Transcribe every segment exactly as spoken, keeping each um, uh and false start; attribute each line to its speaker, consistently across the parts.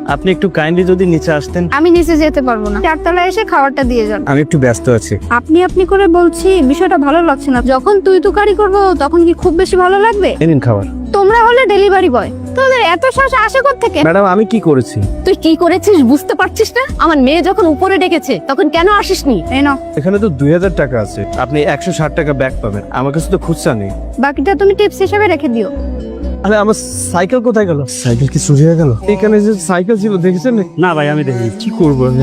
Speaker 1: আপনি একটু কাইন্ডলি যদি নিচে আসতেন।
Speaker 2: আমি নিচে যেতে পারবো না, চারতলায় এসে খাবারটা দিয়ে যান।
Speaker 1: আমি একটু ব্যস্ত আছি।
Speaker 2: আপনি আপনি করে বলছি, বিষয়টা ভালো লাগছে না। যখন তুই তুকারি করবো তখন কি খুব বেশি ভালো লাগবে?
Speaker 1: এই নিন খাবার।
Speaker 2: তোমরা হলে ডেলিভারি বয়, তোদের এত সাহস আসে কোত্থেকে?
Speaker 1: ম্যাডাম আমি কি করেছি?
Speaker 3: তুই কি করেছিস বুঝতে পারছিস না? আমার মেয়ে যখন উপরে ডেকেছে তখন কেন আসিসনি?
Speaker 2: এই নাও,
Speaker 1: এখানে তো দুই হাজার টাকা আছে, আপনি একশো ষাট টাকা ব্যাক পাবেন। আমার কাছে তো খুচরা নেই।
Speaker 2: বাকিটা তুমি টিপস হিসেবে রেখে দিও।
Speaker 1: আরে আমার সাইকেল কোথায় গেল? সাইকেল কি চুরি হয়ে গেল? এখানে যে সাইকেল ছিল দেখেছেন?
Speaker 4: না ভাই আমি দেখি কি করবো আমি?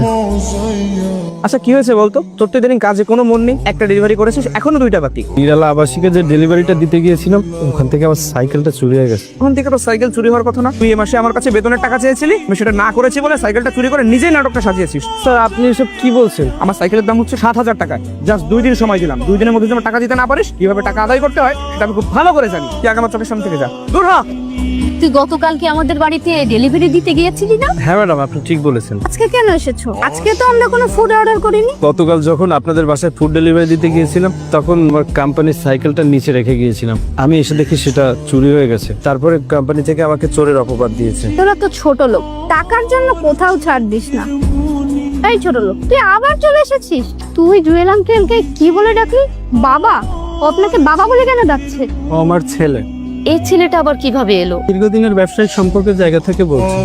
Speaker 1: আচ্ছা কি হয়েছে বলতো? তোর তো দিন কাজে কোনো মন নেই, একটা ডেলিভারি করেছিস, এখনো দুইটা বাকি। নিরালা আবাসিকে যে ডেলিভারিটা দিতে গিয়েছিলাম ওখান থেকে আমার সাইকেলটা চুরি হয়ে গেছে। ওখান থেকে তো সাইকেল চুরি হওয়ার কথা না। তুই এই মাসে আমার কাছে বেতনের টাকা চেয়েছিলি, আমি সেটা না করেছি বলে সাইকেলটা চুরি করে নিজেই নাটকটা সাজিয়েছিস। স্যার আপনি এসব কি বলছেন? আমার সাইকেলের দাম হচ্ছে সাত হাজার টাকা। জাস্ট দুই দিন সময় দিলাম, দুই দিনের মধ্যে যদি আমার টাকা দিতে না পারিস, কিভাবে টাকা আদায় করতে হয় সেটা আমি খুব ভালো করে জানি। তুই আগে আমার চোখের সামনে থেকে যা, দূর হ।
Speaker 3: তুই গতকালকে আমাদের বাড়িতে ডেলিভারি দিতে গিয়েছিলি না?
Speaker 1: হ্যাঁ ম্যাডাম আপনি ঠিক বলেছেন।
Speaker 2: আজকে কেন এসেছো? আজকে তো আমরা কোনো ফুড অর্ডার করিনি।
Speaker 1: গতকাল যখন আপনাদের বাসায় ফুড ডেলিভারি দিতে গিয়েছিলাম তখন আমার কোম্পানির সাইকেলটা নিচে রেখে গিয়েছিলাম। আমি এসে দেখি সেটা চুরি হয়ে গেছে। তারপরে কোম্পানি থেকে আমাকে চোরের অপবাদ দিয়েছে।
Speaker 2: তোরা তো ছোট লোক, টাকার জন্য কোথাও ছাড় দিস না। এই ছোট লোক, তুই আবার চলে এসেছিস? তুই জুয়েল আঙ্কেলকে কি বলে ডাকলি? বাবা? ও আপনাকে বাবা বলে কেন ডাকছে?
Speaker 1: ও আমার ছেলে।
Speaker 3: এই ছেলেটা আবার কিভাবে এলো?
Speaker 1: দীর্ঘদিনের ব্যবসায়িক সম্পর্কের জায়গা থেকে বলছি।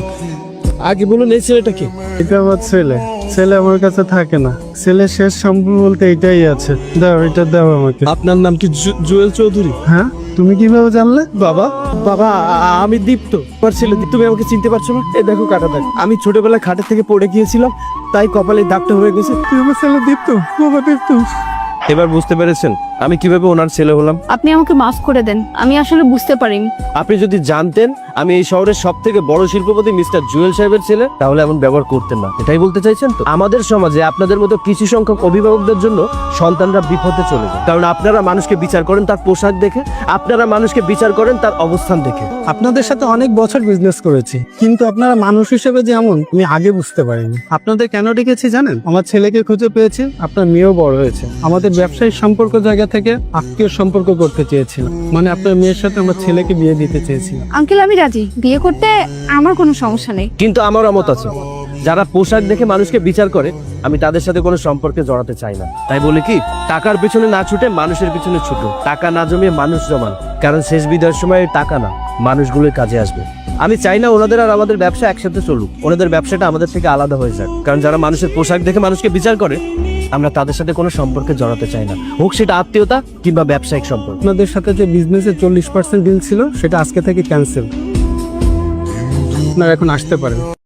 Speaker 1: আগে বলুন এই ছেলেটা কি?
Speaker 4: এটা আমার ছেলে। ছেলে আমার কাছে থাকে না, ছেলে শেষ সম্পর্ক বলতে এটাই আছে। দাও এটা দাও আমাকে।
Speaker 1: আপনার নাম কি জু- জুয়েল চৌধুরী?
Speaker 4: হ্যাঁ তুমি কিভাবে জানলে?
Speaker 1: বাবা বাবা আ- আমি দীপ্ত, আমার ছেলে। তুমি আমাকে চিনতে পারছো না? এই দেখো কাটা দাগ। আমি ছোটবেলায় খাটের থেকে পড়ে গিয়েছিলাম, তাই কপালে দাগটা হয়ে গেছে।
Speaker 4: তুই আমার ছেলে দীপ্ত? বাবা দীপ্ত।
Speaker 1: এবার বুঝতে পেরেছেন আমি কিভাবে ওনার ছেলে হলাম?
Speaker 2: আপনি আমাকে মাফ করে দেন, আমি আসলে বুঝতে পারিনি।
Speaker 1: আপনি যদি জানতেন আমি এই শহরের সব থেকে বড় শিল্পপতি মিস্টার জুয়েল সাহেবের ছেলে, তাহলে এমন ব্যবহার করতেন না। এটাই বলতে চাইছেন তো? আমাদের সমাজে আপনাদের মতো কিছু সংখ্যক অভিভাবকদের জন্য সন্তানরা বিপদে চলে যায়, কারণ আপনারা মানুষকে বিচার করেন তার পোশাক দেখে, আপনারা মানুষকে বিচার করেন তার অবস্থান দেখে।
Speaker 4: আপনাদের সাথে অনেক বছর বিজনেস করেছি, কিন্তু আপনারা মানুষ হিসেবে যে এমন আমি আগে বুঝতে পারিনি। আপনাদের কেন ডেকেছি জানেন? আমার ছেলেকে খুঁজে পেয়েছি, আপনার মেয়েও বড় হয়েছে। আমাদের ব্যবসায়িক সম্পর্ক জায়গা থেকে আত্মীয় সম্পর্ক করতে চেয়েছিলাম, মানে আপনার মেয়ের সাথে আমার ছেলেকে বিয়ে দিতে চেয়েছিলাম।
Speaker 2: আঙ্কেল আমি রাজি, বিয়ে করতে আমার কোনো সমস্যা নেই।
Speaker 1: কিন্তু আমার মত আছে, যারা পোশাক দেখে মানুষকে বিচার করে আমি তাদের সাথে কোনো সম্পর্কে জড়াতে চাই না। তাই বলে কি, টাকার পিছনে না ছুটে মানুষের পিছনে ছুটো। টাকা না জমিয়ে মানুষ জমান, কারণ শেষ বিদায়ের সময় টাকা না মানুষগুলোর কাজে আসবে। আমি চাই না ওনাদের আর আমাদের ব্যবসা একসাথে চলুক, ওনাদের ব্যবসাটা আমাদের থেকে আলাদা হয়ে যাক। কারণ যারা মানুষের পোশাক দেখে মানুষকে বিচার করে আমরা তাদের সাথে কোনো সম্পর্কে জড়াতে চাই না, হোক সেটা আত্মীয়তা কিংবা ব্যবসায়িক সম্পর্ক।
Speaker 4: আপনাদের সাথে যে বিজনেসের চল্লিশ পার্সেন্ট ডিল ছিল সেটা আজকে থেকে ক্যান্সেল। আপনারা এখন আসতে পারেন।